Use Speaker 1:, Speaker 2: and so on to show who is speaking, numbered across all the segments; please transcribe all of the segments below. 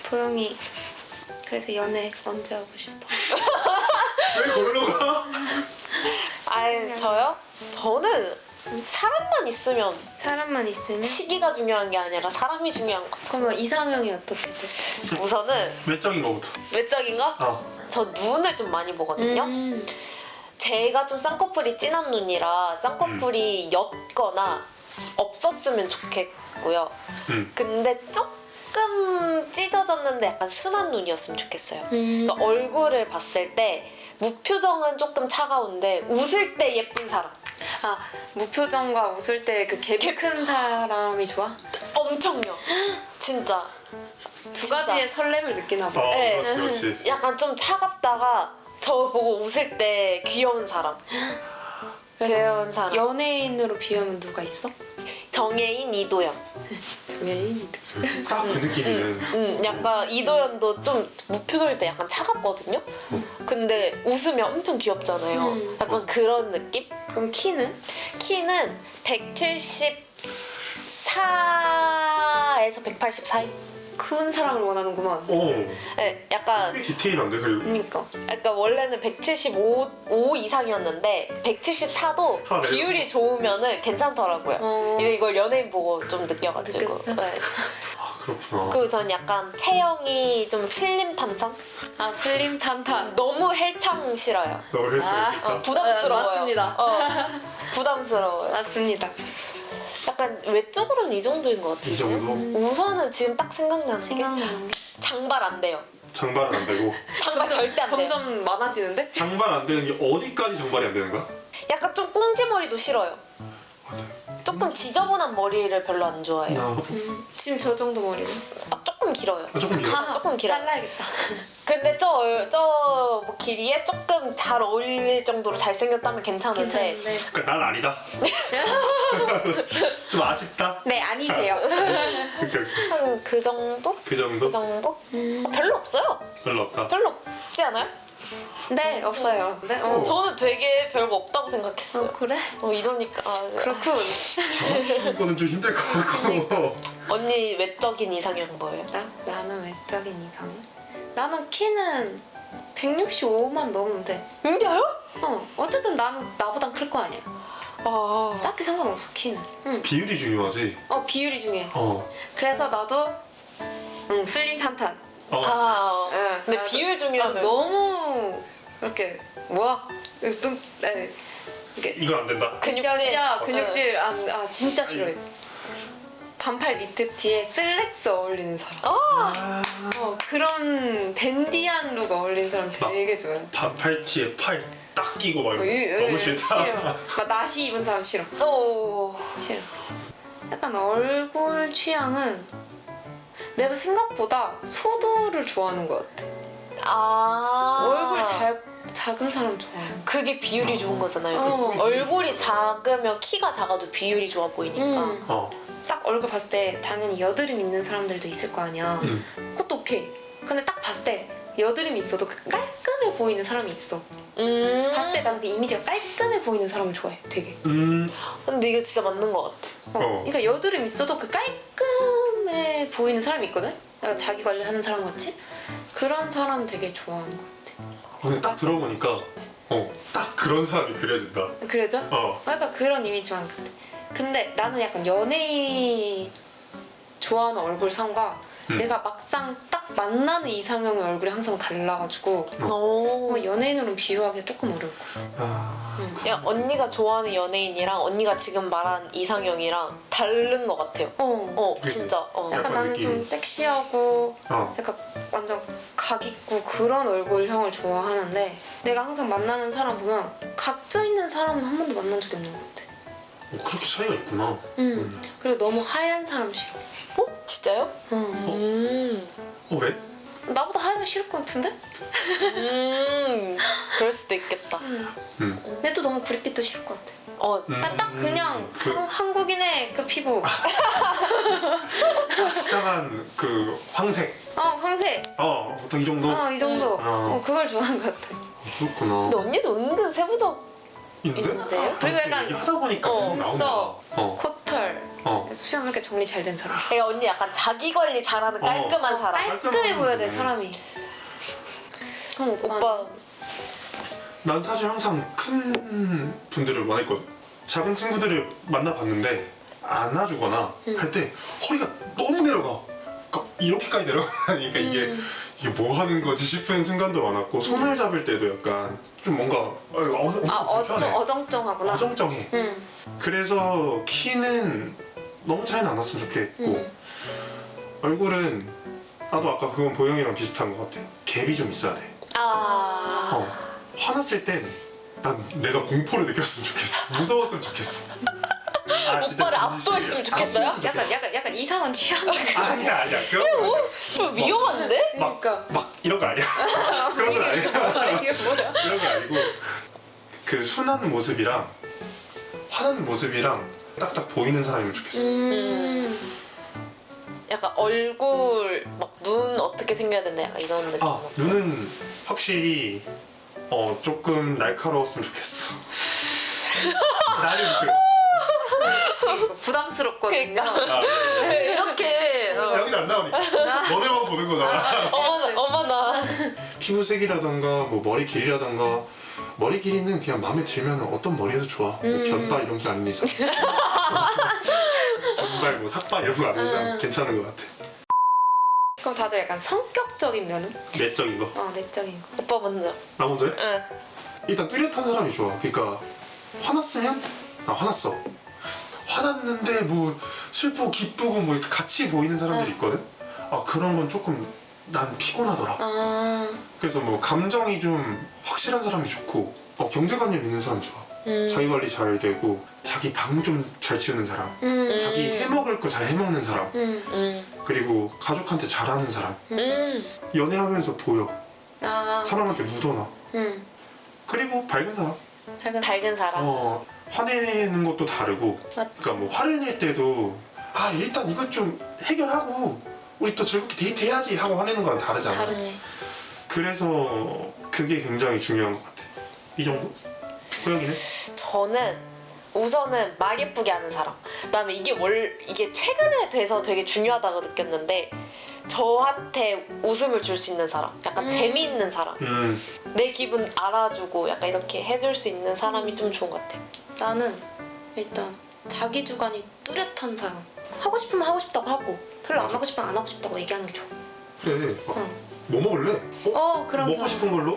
Speaker 1: 보영이 그래서 연애 언제 하고 싶어?
Speaker 2: 왜 걸러 가?
Speaker 3: 아니 저요? 저는 사람만 있으면
Speaker 1: 사람만 있으면?
Speaker 3: 시기가 중요한 게 아니라 사람이 중요한 거죠.
Speaker 1: 그러면 이상형이 어떻게 돼?
Speaker 3: 우선은
Speaker 2: 외적인 거부터.
Speaker 3: 외적인 거? 저 눈을 좀 많이 보거든요. 제가 좀 쌍꺼풀이 진한 눈이라 쌍꺼풀이 옅거나 없었으면 좋겠고요. 근데 조금 찢어졌는데 약간 순한 눈이었으면 좋겠어요. 그러니까 얼굴을 봤을 때 무표정은 조금 차가운데 웃을 때 예쁜 사람.
Speaker 1: 아, 무표정과 웃을 때 그 갭이 큰 사람이 좋아?
Speaker 3: 엄청요. 진짜.
Speaker 1: 두 가지의 설렘을 느끼나 봐.
Speaker 3: 네.
Speaker 2: 그렇지.
Speaker 3: 약간 좀 차갑다가 저 보고 웃을 때 귀여운 사람. 귀여운 사람.
Speaker 1: 연예인으로 비하면 누가 있어?
Speaker 3: 정예인, 이도현.
Speaker 1: 연예인?
Speaker 2: 딱 그 느낌이네.
Speaker 3: 약간 이도현도 좀 무표정일 때 약간 차갑거든요. 근데 웃으면 엄청 귀엽잖아요. 약간 그런 느낌?
Speaker 1: 그럼 키는?
Speaker 3: 키는 174에서 180 사이?
Speaker 1: 큰 사람을 원하는구만.
Speaker 2: 오,
Speaker 3: 네, 약간
Speaker 2: 꽤 디테일한데 그리고.
Speaker 1: 그러니까.
Speaker 3: 약간 원래는 175 이상이었는데 174도
Speaker 2: 아, 네.
Speaker 3: 비율이 좋으면은 괜찮더라고요. 이제 이걸 연예인 보고 좀 느껴가지고.
Speaker 1: 느꼈어?
Speaker 3: 네.
Speaker 2: 아 그렇구나.
Speaker 3: 그리고 전 약간 체형이 좀 슬림 탄탄?
Speaker 1: 아, 슬림 탄탄.
Speaker 3: 너무 헬창 싫어요.
Speaker 2: 너무 헬창했겠다.
Speaker 3: 부담스러워요.
Speaker 1: 맞습니다.
Speaker 3: 부담스러워요.
Speaker 1: 맞습니다.
Speaker 3: 약간 외적으로는 이 정도인 것 같아요.
Speaker 2: 이 정도?
Speaker 3: 우선은 지금 딱 생각나는 게
Speaker 1: 생각나는 게
Speaker 3: 장발 안 돼요.
Speaker 2: 장발은 안 되고.
Speaker 3: 장발 절대 안 돼요.
Speaker 1: 점점 많아지는데?
Speaker 2: 장발 안 되는 게 어디까지 장발이 안 되는 거야?
Speaker 3: 약간 좀 꽁지머리도 싫어요.
Speaker 2: 맞아요.
Speaker 3: 조금 지저분한 머리를 별로 안 좋아해요.
Speaker 2: 나
Speaker 1: 지금 저 정도 머리는?
Speaker 3: 조금 길어요.
Speaker 2: 조금 길어.
Speaker 3: 조금 길어요.
Speaker 1: 잘라야겠다.
Speaker 3: 근데 저 길이에 조금 잘 어울릴 정도로 잘생겼다면 괜찮은데
Speaker 1: 괜찮은데.
Speaker 2: 그러니까 난 아니다. 좀 아쉽다.
Speaker 1: 네, 아니세요.
Speaker 2: 오케이.
Speaker 3: 한 그 정도?
Speaker 2: 그 정도?
Speaker 3: 그 정도? 별로 없어요.
Speaker 2: 별로 없다.
Speaker 3: 별로 없지 않아요?
Speaker 1: 네, 없어요. 네,
Speaker 3: 저는 되게 별거 없다고 생각했어요.
Speaker 1: 그래?
Speaker 3: 이러니까
Speaker 1: 그렇군.
Speaker 2: 이거는 좀 힘들 것 같고.
Speaker 3: 언니 외적인 이상형 뭐예요?
Speaker 1: 나는 외적인 이상형? 나는 키는 165만 넘으면 돼.
Speaker 3: 진짜요?
Speaker 1: 어쨌든 나는 나보단 클 거 아니야.
Speaker 3: 아,
Speaker 1: 딱히 상관없어, 키는.
Speaker 2: 비율이 중요하지.
Speaker 1: 비율이 중요해.
Speaker 2: 어.
Speaker 1: 그래서 나도 슬림 탄탄.
Speaker 2: 어.
Speaker 3: 근데
Speaker 1: 나도-
Speaker 3: 비율
Speaker 1: 나도
Speaker 3: 중요하면
Speaker 1: 너무 이렇게 뭐야? 뚱, 이렇게
Speaker 2: 이건 안 된다.
Speaker 1: 으쌰으쌰
Speaker 3: 근육질.
Speaker 1: 근육질 진짜 싫어해. 반팔 니트 티에 슬랙스 어울리는 사람. 그런 댄디한 룩 어울리는 사람 되게 좋아해.
Speaker 2: 반팔티에 팔 딱 끼고 막 이러고. 너무 싫다.
Speaker 1: 싫어. 막 나시 입은 사람 싫어. 싫어. 약간 얼굴 취향은 내가 생각보다 소두를 좋아하는 것 같아. 얼굴 작은 사람 좋아해.
Speaker 3: 그게 비율이 좋은 거잖아요.
Speaker 1: 어.
Speaker 3: 얼굴이 작으면 키가 작아도 비율이 좋아 보이니까.
Speaker 2: 어.
Speaker 1: 딱 얼굴 봤을 때 당연히 여드름 있는 사람들도 있을 거 아니야. 그것도 오케이. 근데 딱 봤을 때 여드름이 있어도 그 깔끔해 보이는 사람이 있어. 봤을 때 나는 그 이미지가 깔끔해 보이는 사람을 좋아해. 되게.
Speaker 3: 근데 이게 진짜 맞는 것 같아.
Speaker 1: 그러니까 여드름 있어도 그 깔끔해 보이는 사람이 있거든? 약간 자기 관리하는 사람 같이? 그런 사람 되게 좋아하는 것 같아.
Speaker 2: 근데 딱 들어보니까 딱 그런 사람이 그려진다.
Speaker 1: 그래죠?
Speaker 2: 어.
Speaker 1: 약간 그런 이미지 좋아하는 것 같아. 근데 나는 약간 연예인 좋아하는 얼굴상과 내가 막상 딱 만나는 이상형의 얼굴이 항상 달라가지고 연예인으로는 비유하기가 조금 어려울 것 같아.
Speaker 3: 야, 언니가 좋아하는 연예인이랑 언니가 지금 말한 이상형이랑 다른 것 같아요.
Speaker 2: 그치?
Speaker 3: 진짜.
Speaker 1: 약간
Speaker 2: 약간
Speaker 1: 나는
Speaker 2: 느낌이.
Speaker 1: 좀 섹시하고 약간 완전 각 있고 그런 얼굴형을 좋아하는데 내가 항상 만나는 사람 보면 각져 있는 사람은 한 번도 만난 적이 없는 것 같아.
Speaker 2: 그렇게 차이가 있구나.
Speaker 1: 그리고 너무 하얀 사람 싫어.
Speaker 3: 진짜요?
Speaker 2: 왜?
Speaker 1: 나보다 하얀 싫을 것 같은데?
Speaker 3: 그럴 수도 있겠다.
Speaker 1: 근데 또 너무 구릿빛도 싫을 것 같아. 딱 그냥 한국인의 그 피부.
Speaker 2: 적당한 그 황색.
Speaker 1: 황색.
Speaker 2: 보통 이 정도?
Speaker 1: 이 정도.
Speaker 2: 어.
Speaker 1: 그걸 좋아하는 것 같아.
Speaker 2: 그렇구나.
Speaker 3: 근데 언니도 은근 세부적
Speaker 2: 있는데?
Speaker 3: 있는데요?
Speaker 1: 그리고 약간
Speaker 2: 얘기하다 보니까 계속 나온다.
Speaker 1: 눈썹, 코털, 수염 이렇게 정리 잘 된 사람.
Speaker 3: 그러니까 언니 약간 자기 관리 잘하는 깔끔한 사람.
Speaker 1: 깔끔해 보여야 돼
Speaker 2: 네.
Speaker 1: 사람이. 그럼
Speaker 3: 오빠
Speaker 2: 난 사실 항상 큰 분들을 원했거든. 작은 친구들을 만나봤는데 안아주거나 할 때 허리가 너무 내려가. 그러니까 이렇게까지 내려가니까 이게 뭐 하는 거지 싶은 순간도 많았고 손을 잡을 때도 약간 좀 뭔가
Speaker 1: 좀 어정쩡하구나.
Speaker 2: 어정쩡해. 그래서 키는 너무 차이는 안 났으면 좋겠고 얼굴은 나도 아까 그건 보영이랑 비슷한 것 같아. 갭이 좀 있어야 돼. 화났을 땐 난 내가 공포를 느꼈으면 좋겠어. 무서웠으면 좋겠어. 진짜
Speaker 3: 오빠를
Speaker 2: 진심이야.
Speaker 3: 압도했으면 좋겠어요?
Speaker 1: 약간 이상한 취향.
Speaker 2: 아니야 그런 거 아니야.
Speaker 3: 좀 위험한데?
Speaker 2: 막 이런 거 아니야. 그런 거 아니야.
Speaker 1: 이게 뭐야?
Speaker 2: 그런 게 아니고 그 순한 모습이랑 화난 모습이랑 딱딱 보이는 사람이면 좋겠어.
Speaker 3: 약간 얼굴 막 눈 어떻게 생겨야 된다 약간 이런 느낌 없어요?
Speaker 2: 눈은 확실히 조금 날카로웠으면 좋겠어. 나는
Speaker 1: 부담스럽거든요.
Speaker 2: 네.
Speaker 3: 이렇게
Speaker 2: 여긴 안 나오니까 너네만 보는 거잖아.
Speaker 3: 어머나
Speaker 2: 피부색이라던가 뭐 머리 길이라던가 머리 길이는 그냥 마음에 들면 어떤 머리에도 좋아. 뭐 변발 이런 게 아닌 이상 변발 뭐 삭발 이런 거 아닌 이상 괜찮은 것 같아.
Speaker 1: 그럼 다들 약간 성격적인 면은?
Speaker 2: 내적인 거.
Speaker 1: 내적인 거.
Speaker 3: 오빠 먼저.
Speaker 2: 나 먼저 해?
Speaker 3: 응.
Speaker 2: 일단 뚜렷한 사람이 좋아. 그러니까 화났으면 나 화났어. 화났는데 뭐 슬프고 기쁘고 뭐 이렇게 같이 보이는 사람들이 있거든. 그런 건 조금 난 피곤하더라. 그래서 뭐 감정이 좀 확실한 사람이 좋고 경제관념 있는 사람 좋아. 자기 관리 잘 되고 자기 방 좀 잘 치우는 사람. 자기 해먹을 거 잘 해먹는 사람. 그리고 가족한테 잘하는 사람. 연애하면서 보여. 사람한테 묻어놔. 그리고 밝은 사람.
Speaker 3: 밝은 사람.
Speaker 2: 화내는 것도 다르고.
Speaker 1: 맞지.
Speaker 2: 그러니까 뭐 화를 낼 때도 일단 이것 좀 해결하고 우리 또 즐겁게 데이트해야지 하고 화내는 거랑 다르잖아.
Speaker 1: 다르지.
Speaker 2: 그래서 그게 굉장히 중요한 것 같아. 이 정도? 고양이는?
Speaker 3: 저는 우선은 말 예쁘게 하는 사람. 그다음에 이게 최근에 돼서 되게 중요하다고 느꼈는데 저한테 웃음을 줄 수 있는 사람. 약간 재미있는 사람. 내 기분 알아주고 약간 이렇게 해줄 수 있는 사람이 좀 좋은 것 같아.
Speaker 1: 나는 일단 자기 주관이 뚜렷한 사람. 하고 싶으면 하고 싶다고 하고 별로 안 하고 싶으면 안 하고 싶다고 얘기하는 게 좋아.
Speaker 2: 그래.
Speaker 1: 응.
Speaker 2: 뭐 먹을래?
Speaker 1: 그런
Speaker 2: 먹고
Speaker 1: 경우.
Speaker 2: 싶은 걸로?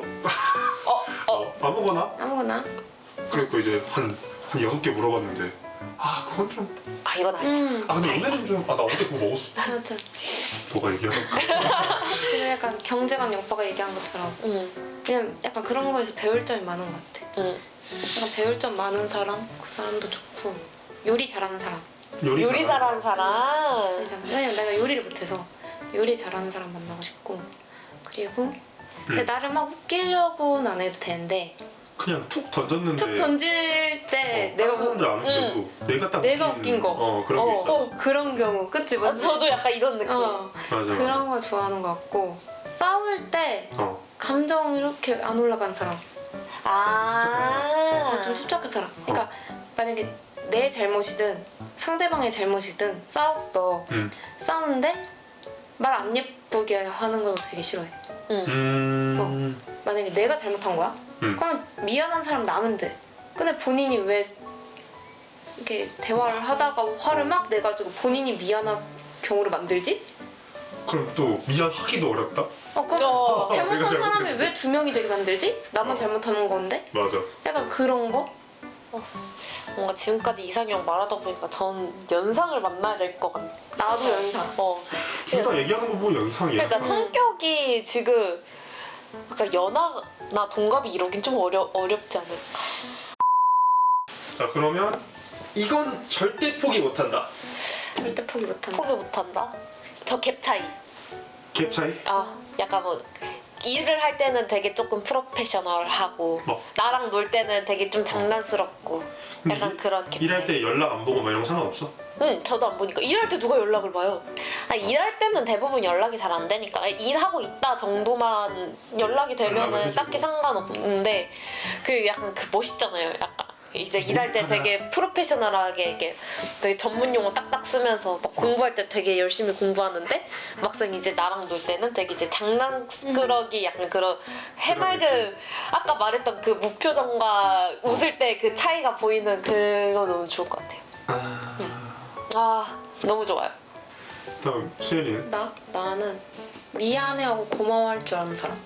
Speaker 2: 아무거나?
Speaker 1: 아무거나.
Speaker 2: 그리고 이제 한 6개 물어봤는데 그건 좀
Speaker 3: 이건 아니야.
Speaker 2: 근데 오늘은 좀 나 어제 그거 먹었어.
Speaker 1: 맞아.
Speaker 2: 뭐가 얘기하던가.
Speaker 1: 그래 약간 경제관념 오빠가 얘기한 것처럼 그냥 약간 그런 거에서 배울 점이 많은 것 같아. 약간 배울 점 많은 사람 그 사람도 좋고 요리 잘하는 사람.
Speaker 3: 요리 잘하는 사람.
Speaker 1: 왜냐면 내가 요리를 못해서 요리 잘하는 사람 만나고 싶고 그리고 근데 나를 막 웃기려고는 안 해도 되는데
Speaker 2: 그냥 툭 던졌는데
Speaker 1: 툭 던질 때 내가
Speaker 2: 다른 사람들 안 웃기고 내가
Speaker 1: 내가 웃긴 거.
Speaker 2: 그런 게 있잖아.
Speaker 1: 그런 경우 그치 맞지?
Speaker 3: 저도 약간 이런 느낌.
Speaker 2: 맞아.
Speaker 1: 그런 거 좋아하는 것 같고 싸울 때 감정 이렇게 안 올라간 사람 좀 침착한 사람. 그러니까 만약에 내 잘못이든 상대방의 잘못이든 싸웠어. 싸우는데 말 안 예쁘게 하는 걸 되게 싫어해. 만약에 내가 잘못한 거야? 그러면 미안한 사람 나면 돼. 근데 본인이 왜 이렇게 대화를 하다가 화를 막 내가지고 본인이 미안한 경우를 만들지?
Speaker 2: 그럼 또 미안하기도 어렵다?
Speaker 1: 그럼
Speaker 2: 내가
Speaker 1: 잘못한 사람이
Speaker 2: 잘못했는데.
Speaker 1: 왜 2명이 되게 만들지? 나만 잘못하는 건데?
Speaker 2: 맞아.
Speaker 1: 약간 그런 거?
Speaker 3: 뭔가 지금까지 이상형 말하다 보니까 전 연상을 만나야 될 것 같아.
Speaker 1: 나도 연상.
Speaker 2: 둘 다 얘기하는 거 보면 연상이야.
Speaker 3: 그러니까 성격이 지금 약간 연하나 동갑이 이러긴 좀 어렵지 않을까.
Speaker 2: 자 그러면 이건 절대 포기 못한다.
Speaker 1: 절대 포기 못한다.
Speaker 3: 포기 못한다. 저 갭 차이.
Speaker 2: 갭 차이?
Speaker 3: 약간 뭐 일을 할 때는 되게 조금 프로페셔널하고
Speaker 2: 뭐?
Speaker 3: 나랑 놀 때는 되게 좀 장난스럽고 약간 그런 갭 차이.
Speaker 2: 일할 때 연락 안 보고 막 이런 거 상관없어?
Speaker 3: 응, 저도 안 보니까. 일할 때 누가 연락을 봐요? 일할 때는 대부분 연락이 잘 안 되니까 일하고 있다 정도만 연락이
Speaker 2: 연락을
Speaker 3: 되면은
Speaker 2: 해주고.
Speaker 3: 딱히 상관없는데 그 약간 그 멋있잖아요. 약간 이제 일할 때
Speaker 2: 몰입하느라.
Speaker 3: 되게 프로페셔널하게 이게 되게 전문 용어 딱딱 쓰면서 막 공부할 때 되게 열심히 공부하는데 막상 이제 나랑 놀 때는 되게 이제 장난꾸러기 약간 그런 해맑은 아까 말했던 그 무표정과 웃을 때 그 차이가 보이는 그거 너무 좋을 것 같아요. 아 너무 좋아요.
Speaker 2: 다음 시연이는?
Speaker 1: 나는 미안해하고 고마워할 줄 아는 사람.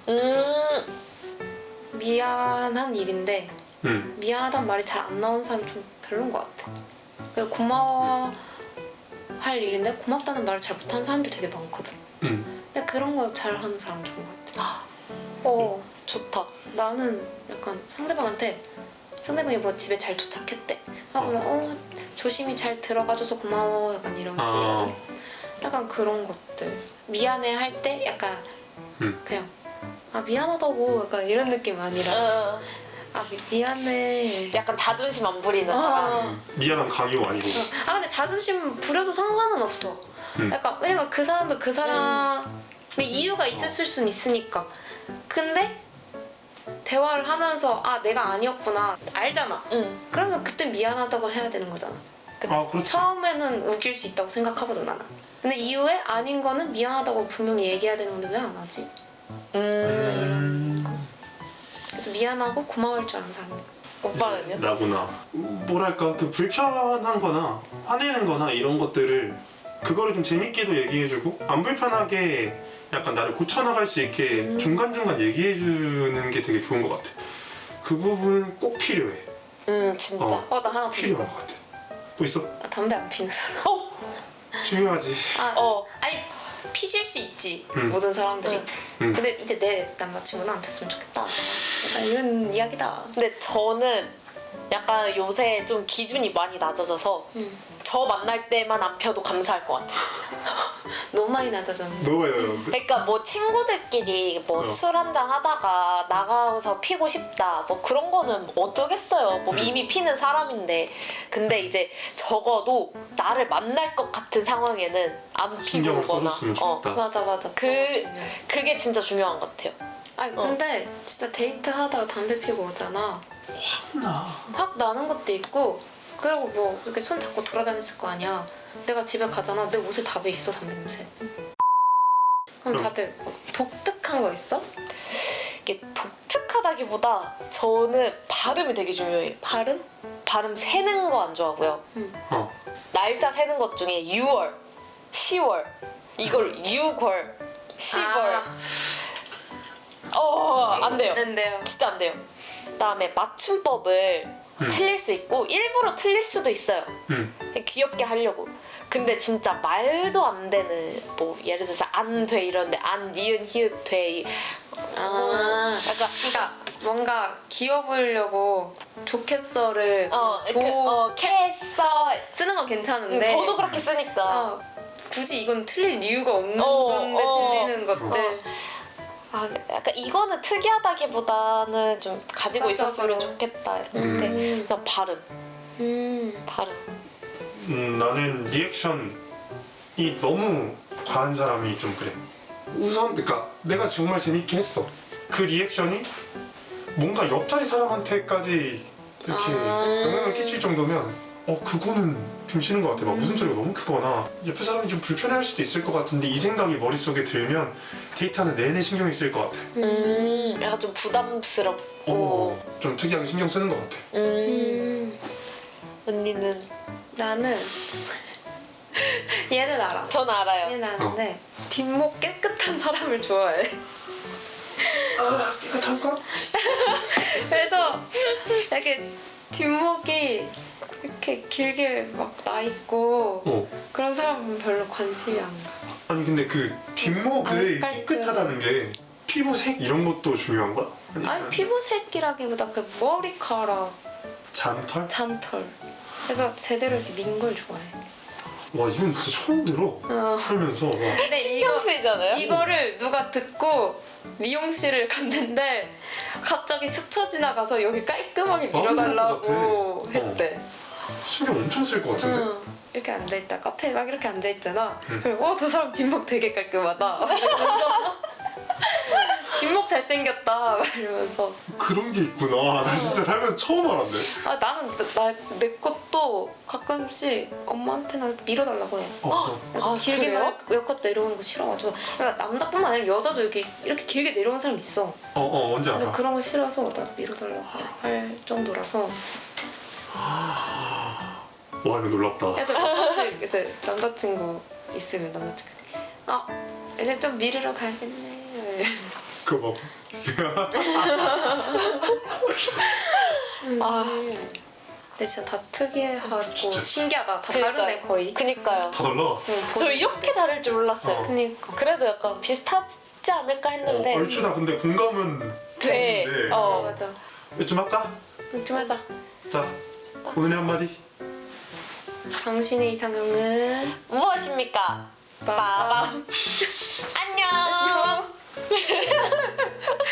Speaker 1: 미안한 일인데 미안하단 말이 잘 안 나오는 사람 좀 별론 것 같아. 그리고 고마워할 일인데 고맙다는 말을 잘 못하는 사람들이 되게 많거든. 근데 그런 거 잘하는 사람 좋은 것 같아.
Speaker 3: 좋다.
Speaker 1: 나는 약간 상대방한테 상대방이 뭐 집에 잘 도착했대. 그러면 조심히 잘 들어가줘서 고마워 약간 이런 얘기거든. 약간 그런 것들. 미안해 할 때 약간 그냥 미안하다고 약간 이런 느낌 아니라 미안해.
Speaker 3: 약간 자존심 안 부리는 사람.
Speaker 2: 미안한 강요 아니고.
Speaker 1: 근데 자존심 부려도 상관은 없어. 약간 왜냐면 그 사람도 그 사람의 이유가 있었을 순 있으니까. 근데 대화를 하면서 내가 아니었구나 알잖아. 그러면 그때 미안하다고 해야 되는 거잖아.
Speaker 2: 그렇지.
Speaker 1: 처음에는 우길 수 있다고 생각하거든 나는. 근데 이후에 아닌 거는 미안하다고 분명히 얘기해야 되는 건데 왜 안 하지? 이런 거. 그래서 미안하고 고마울 줄 아는 사람.
Speaker 3: 오빠는요?
Speaker 2: 나구나. 뭐랄까 그 불편한 거나 화내는 거나 이런 것들을 그거를 좀 재밌게도 얘기해주고 안 불편하게 약간 나를 고쳐나갈 수 있게 중간중간 얘기해주는 게 되게 좋은 것 같아. 그 부분 꼭 필요해.
Speaker 3: 진짜.
Speaker 1: 나 하나 더 있어.
Speaker 2: 필요한 것 같아. 또 있어?
Speaker 1: 담배 안 피는 사람.
Speaker 2: 중요하지.
Speaker 1: 아니 피실 수 있지
Speaker 2: 모든
Speaker 1: 사람들이. 근데 이제 내 남자친구는 안 폈으면 좋겠다. 약간 이런 이야기다.
Speaker 3: 근데 저는 약간 요새 좀 기준이 많이 낮아져서 저 만날 때만 안 펴도 감사할 것 같아요.
Speaker 1: 너무 많이 낮아졌는데.
Speaker 2: 너무 많이 나는데?
Speaker 3: 그러니까 뭐 친구들끼리 뭐 술 한잔 하다가 나가서 피고 싶다 뭐 그런 거는 어쩌겠어요. 뭐 이미 피는 사람인데. 근데 이제 적어도 나를 만날 것 같은 상황에는 안 피고
Speaker 2: 신경을
Speaker 3: 오거나.
Speaker 2: 써줬으면 좋겠다.
Speaker 1: 맞아.
Speaker 3: 그게 진짜 중요한 것 같아요.
Speaker 1: 근데 진짜 데이트 하다가 담배 피고 오잖아. 확 나는 것도 있고. 그리고 뭐 이렇게 손 잡고 돌아다녔을 거 아니야. 내가 집에 가잖아. 내 옷에 다 배있어 담배 냄새. 그럼 다들 뭐 독특한 거 있어?
Speaker 3: 이게 독특하다기보다 저는 발음이 되게 중요해요. 발음 세는 거 안 좋아하고요. 날짜 세는 것 중에 6월, 10월 이걸 6월, 10월 안 돼요.
Speaker 1: 안 돼요.
Speaker 3: 진짜 안 돼요. 그다음에 맞춤법을 틀릴 수 있고 일부러 틀릴 수도 있어요. 귀엽게 하려고. 근데 진짜 말도 안 되는 뭐 예를 들어서 안 돼 이런데 안 니은 히읗 돼
Speaker 1: 약간 그러니까 뭔가 귀여워 보이려고 좋겠어를
Speaker 3: 캐서
Speaker 1: 쓰는 건 괜찮은데
Speaker 3: 저도 그렇게 쓰니까
Speaker 1: 굳이 이건 틀릴 이유가 없는 건데 틀리는 것들.
Speaker 3: 약간 이거는 특이하다기보다는 좀 가지고
Speaker 1: 즉각적으로.
Speaker 3: 있었으면 좋겠다 이런데 그냥 발음.
Speaker 2: 나는 리액션이 너무 과한 사람이 좀 그래. 우선 그러니까 내가 정말 재밌게 했어. 그 리액션이 뭔가 옆자리 사람한테까지 이렇게 영향을 끼칠 정도면 그거는 좀 싫은 것 같아. 막 웃음소리가 너무 크거나 옆에 사람이 좀 불편해할 수도 있을 것 같은데 이 생각이 머릿속에 들면 데이트하는 내내 신경이 쓰일 것 같아.
Speaker 3: 약간 좀 부담스럽고
Speaker 2: 좀 특이하게 신경 쓰는 것 같아.
Speaker 3: 언니는?
Speaker 1: 나는 얘는 알아.
Speaker 3: 전 알아요.
Speaker 1: 얘는 아는데 뒷목 깨끗한 사람을 좋아해.
Speaker 2: 깨끗한가?
Speaker 1: 그래서 이렇게 뒷목이 이렇게 길게 막 나 있고 그런 사람은 별로 관심이 안 가.
Speaker 2: 아니 근데 그 뒷목을
Speaker 1: 안
Speaker 2: 깨끗하다는 게 피부색 이런 것도 중요한 거야?
Speaker 1: 아니 피부색이라기보다 그 머리카락,
Speaker 2: 잔털?
Speaker 1: 잔털. 그래서 제대로 이렇게 민 걸 좋아해.
Speaker 2: 와 이건 진짜 처음 들어. 살면서 와.
Speaker 1: 근데
Speaker 3: 신경 쓰이잖아요?
Speaker 1: 이거를 누가 듣고 미용실을 갔는데 갑자기 스쳐 지나가서 여기 깔끔하게 밀어달라고
Speaker 2: 그럴 것 같아.
Speaker 1: 했대.
Speaker 2: 신경 엄청 쓸 것 같은데?
Speaker 1: 이렇게 앉아있다 카페에 막 이렇게 앉아있잖아. 그리고 저 사람 뒷목 되게 깔끔하다. 뒷목 잘 잘생겼다 막 이러면서
Speaker 2: 그런 게 있구나. 나 진짜 살면서 처음 알았네.
Speaker 1: 아 나는 내 것도 가끔씩 엄마한테나 이렇게 밀어달라고 해. 약간
Speaker 3: 아,
Speaker 1: 길게만 여껏 내려오는 거 싫어가지고 그러니까 남자뿐만 아니라 여자도 이렇게 길게 내려오는 사람 있어.
Speaker 2: 뭔지
Speaker 1: 근데
Speaker 2: 알아.
Speaker 1: 그런 거 싫어서 나도 밀어달라고 할 정도라서
Speaker 2: 와 이거 놀랍다.
Speaker 1: 그래서 가끔씩 이제 남자친구 있으면 남자친구 이제 좀 밀으러 가야겠네.
Speaker 2: 그거 봐.
Speaker 1: 근데 진짜 다 특이하고
Speaker 2: 진짜.
Speaker 1: 신기하다. 다 다르네 거의.
Speaker 3: 그니까요.
Speaker 2: 다 달라.
Speaker 3: 저 이렇게 다를 줄 몰랐어요.
Speaker 1: 그니까.
Speaker 3: 그래도 약간 비슷하지 않을까 했는데
Speaker 2: 얼추 다 근데 공감은
Speaker 3: 돼.
Speaker 2: 되는데.
Speaker 1: 맞아.
Speaker 2: 좀 할까?
Speaker 1: 좀 하자.
Speaker 2: 자 오늘의 한마디.
Speaker 1: 당신의 이상형은
Speaker 3: 무엇입니까? 빠밤. 안녕.